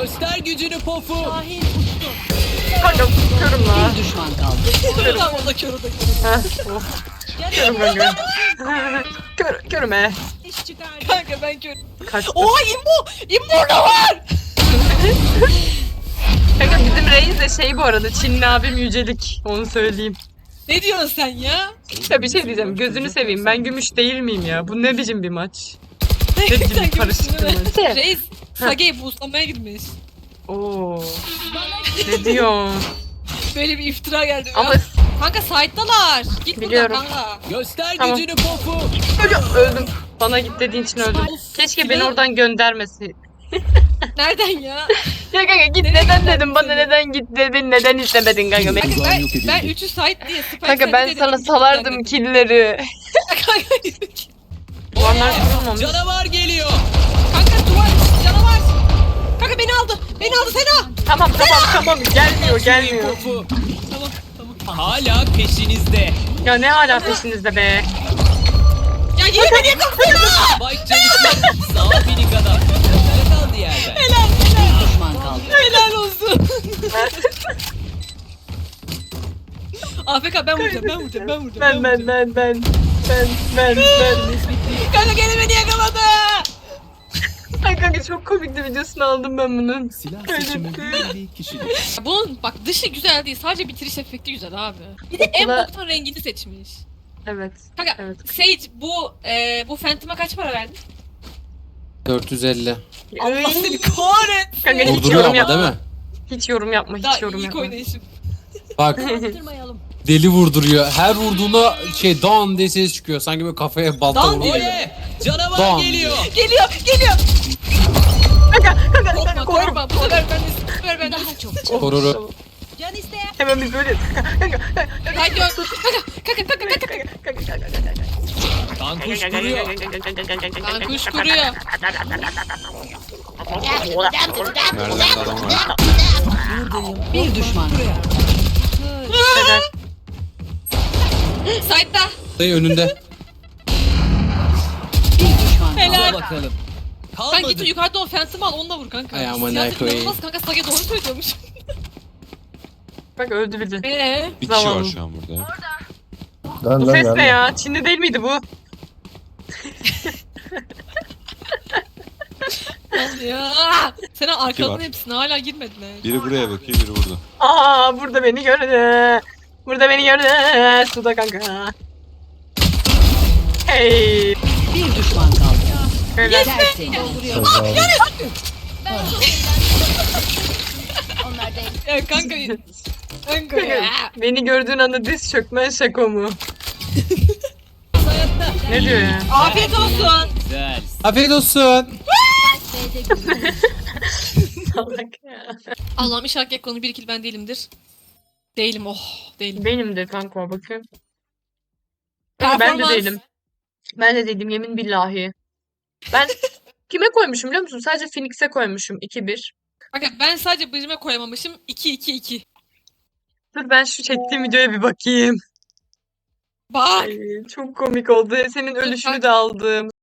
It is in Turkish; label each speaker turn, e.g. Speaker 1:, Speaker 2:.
Speaker 1: Göster gücünü pofu.
Speaker 2: Şahin uçtu.
Speaker 3: Kanka körüm la.
Speaker 2: Bir düşman kaldı.
Speaker 4: Tam o da kör o da kör.
Speaker 3: Heh, of. Körüm kanka. Körüm he.
Speaker 2: İş çıkardı.
Speaker 4: Kanka ben kör.
Speaker 3: Kaçtı.
Speaker 4: Oha imbo! İmbo da var!
Speaker 3: Kanka bizim reis de şey bu arada Çinli abim Yücelik. Onu söyleyeyim.
Speaker 4: Ne diyorsun sen ya?
Speaker 3: Ya bir şey diyeceğim. Gözünü seveyim. Ben gümüş değil miyim ya? Bu ne biçim bir maç? Ne
Speaker 4: Sen
Speaker 3: biçim
Speaker 4: gülüyorsun
Speaker 3: karışık
Speaker 4: değil
Speaker 3: bir
Speaker 4: mi?
Speaker 3: maç?
Speaker 4: Reis Sage'yi boostlamaya gitmiş.
Speaker 3: Oo. Ne diyorsun?
Speaker 4: Böyle bir iftira geldi.
Speaker 3: Ama
Speaker 4: Ya, kanka site'dalar. Git
Speaker 3: Biliyorum.
Speaker 4: buradan kanka.
Speaker 1: Göster
Speaker 3: Tamam.
Speaker 1: gücünü pofu.
Speaker 3: öldüm. Bana git dediğin için öldüm. Keşke beni oradan göndermesin.
Speaker 4: Nereden ya?
Speaker 3: Ya kanka git neden dedim bana neden git dedin neden istemedin kanka.
Speaker 4: Kanka
Speaker 1: Uzağın
Speaker 4: ben,
Speaker 1: yok edildi.
Speaker 4: ben 3'ü site diye spike
Speaker 3: Kanka ben
Speaker 4: dedim,
Speaker 3: sana
Speaker 4: git
Speaker 3: salardım
Speaker 4: dedim.
Speaker 3: killleri.
Speaker 4: Kanka
Speaker 3: Duvarlar kurulmamış.
Speaker 1: Canavar geliyor.
Speaker 4: kanka duvar canavar. Kanka beni aldı. Beni aldı Sena.
Speaker 3: Tamam gelmiyor gelmiyor.
Speaker 1: Pofu.
Speaker 4: Tamam tamam.
Speaker 1: Hala peşinizde.
Speaker 3: Ya ne hala peşinizde be.
Speaker 4: Ya yine beni yakaladı.
Speaker 1: Spike çalışmak. Sağ minik adam. Ne kaldı yerden?
Speaker 2: Bir düşman kaldı.
Speaker 4: Helal olsun. AFK ben vuracağım ben vuracağım ben vuracağım.
Speaker 3: Ben.
Speaker 4: Kanka gene beni yakaladı.
Speaker 3: Ay kanka çok komikti videosunu aldım ben bunun.
Speaker 1: Silah seçimi bir kişilik.
Speaker 4: Bunun bak dışı güzel değil sadece bitiriş efekti güzel abi. Bir de en
Speaker 3: Okula-
Speaker 4: boktan rengini seçmiş.
Speaker 3: Evet.
Speaker 4: Kanka
Speaker 3: Evet.
Speaker 4: Sage bu Phantom'a kaç para verdin?
Speaker 5: 450.
Speaker 4: Allah seni kahretsin.
Speaker 3: Kanka hiç
Speaker 5: Vurduruyor
Speaker 3: yorum
Speaker 5: ama değil
Speaker 3: yapma.
Speaker 5: mi?
Speaker 3: Hiç yorum yapma.
Speaker 4: Daha
Speaker 3: Hiç yorum
Speaker 4: ilk
Speaker 3: yapma.
Speaker 4: oynayışım.
Speaker 5: Bak
Speaker 2: Yaptırmayalım.
Speaker 5: deli vurduruyor. Her vurduğuna şey dan diye ses çıkıyor. Sanki böyle kafaya balta
Speaker 4: Dan
Speaker 5: vuruyor.
Speaker 1: Oye! Canavar
Speaker 5: Don.
Speaker 1: geliyor.
Speaker 4: Geliyor geliyor. Korkma
Speaker 3: Korum.
Speaker 4: korkma bu sefer ben de bu sefer ben de.
Speaker 2: Daha çok.
Speaker 5: Koruru.
Speaker 2: Can isteyen.
Speaker 3: Hemen biz böyle.
Speaker 4: Haydi kanka.
Speaker 1: Kankuş duruyor.
Speaker 4: Ben kuş kuruyor.
Speaker 5: Nereden adam var?
Speaker 2: Bir düşman kaldı.
Speaker 4: Side'da.
Speaker 5: Dayı önünde.
Speaker 2: Bir düşman kaldı.
Speaker 4: Helal.
Speaker 1: Al bakalım.
Speaker 4: Sen git
Speaker 1: Kalmadı.
Speaker 4: yukarıda o Phantom'ı al onunla vur kanka.
Speaker 5: Ay aman
Speaker 4: Siyaset
Speaker 5: koyayım.
Speaker 4: inanılmaz kanka Sage doğru söylüyormuş.
Speaker 3: Bak öldü bir de.
Speaker 6: Bir kişi
Speaker 3: Zavallı.
Speaker 6: var şu an burada.
Speaker 3: Bu ses ne ya? Çinli değil miydi bu?
Speaker 4: Ya. Senin arkadan
Speaker 6: var.
Speaker 4: hepsine hala girmediler.
Speaker 6: Biri buraya bakıyor, biri burada.
Speaker 3: Aa burada beni gördü. Burada beni gördü. Suda kanka. Hey.
Speaker 2: Bir düşman kaldı.
Speaker 3: Öyle.
Speaker 2: Tertemiz.
Speaker 4: Ya kanka. Kanka ya.
Speaker 3: Beni gördüğün anda diz çökmen şaka mı? Ne diyor ya?
Speaker 4: Afiyet olsun.
Speaker 1: Güzel.
Speaker 5: Afiyet olsun.
Speaker 3: Salak ya.
Speaker 4: Allah'ım inşallah Gekko'nun bir kill ben değilimdir. Değilim değilim.
Speaker 3: Benim de kanka bakayım. Ben de
Speaker 4: Performans.
Speaker 3: değilim. Ben de değilim yemin billahi. Ben kime koymuşum biliyor musun? Sadece Phoenix'e koymuşum 2-1.
Speaker 4: Kanka ben sadece bölüme koyamamışım. 2-2-2.
Speaker 3: Dur ben şu çektiğim videoya bir bakayım.
Speaker 4: Bak.
Speaker 3: Ay, çok komik oldu. Senin ölüşünü de aldım.